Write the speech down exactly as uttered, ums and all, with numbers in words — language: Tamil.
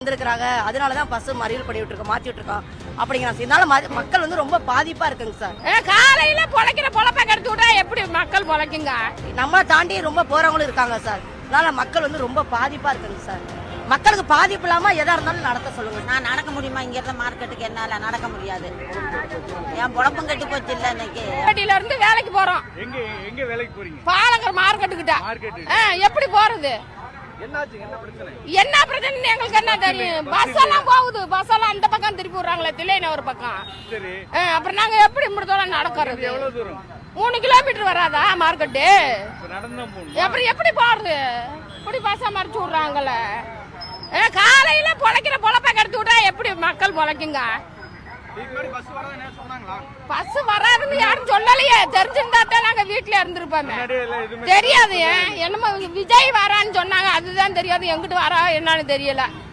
வந்திருக்கிறாங்க. அதனாலதான் பஸ் மறியல் பண்ணி விட்டுருக்கோம், மாத்தி விட்டுருக்கோம் அப்படிங்கிறாங்க. இதனால மக்கள் வந்து ரொம்ப பாதிப்பா இருக்குங்க சார். காலையில பொழைக்கிற பொழப்ப கெடுத்து விட்டா எப்படி மக்கள் பொழைக்குங்க? நம்மளை தாண்டி ரொம்ப போறவங்களும் இருக்காங்க சார். அதனால மக்கள் வந்து ரொம்ப பாதிப்பா இருக்குங்க சார். மக்களுக்கு பாதிப்பு இல்லாம எதா இருந்தாலும் நடத்த சொல்லுங்க. நான் நடக்க முடியுமா? இங்க இருந்த மார்க்கெட்டுக்கு என்னால நடக்க முடியாது. என் பொழப்பும் கெட்டு போச்சு இல்ல. இன்னைக்கு வீட்டுல இருந்து வேலைக்கு போறோம். எங்க எங்க வேலைக்கு போறீங்க? பாலங்கர் மார்க்கெட்டுக்கிட்ட. எப்படி போறது? என்ன பிரச்சனை எங்களுக்கு என்ன தெரியும்? பஸ் எல்லாம் போகுது, பஸ் எல்லாம் அந்த பக்கம் திருப்பி விடுறாங்களே, தில்லைன ஒரு பக்கம். அப்புறம் நாங்க எப்படி முடித்தோம் நடக்கிறது? மூணு கிலோமீட்டர் வராதா மார்க்கெட்டு? எப்படி எப்படி போறது? இப்படி பஸ்ஸா மறைச்சு விடுறாங்கல்ல. காலையில பொழைக்கிற பொழப்ப கெடுத்து விட்டா எப்படி மக்கள் பொழைக்குங்க? பஸ் வராதுன்னு யாரும் சொல்லலையே. தெரிஞ்சிருந்தா தான் நாங்க வீட்டுல இருந்திருப்போமே. தெரியாது. என்னமோ விஜய் வரான்னு சொன்னாங்க, அதுதான் தெரியாது. எங்கிட்டு வரா என்னன்னு தெரியல.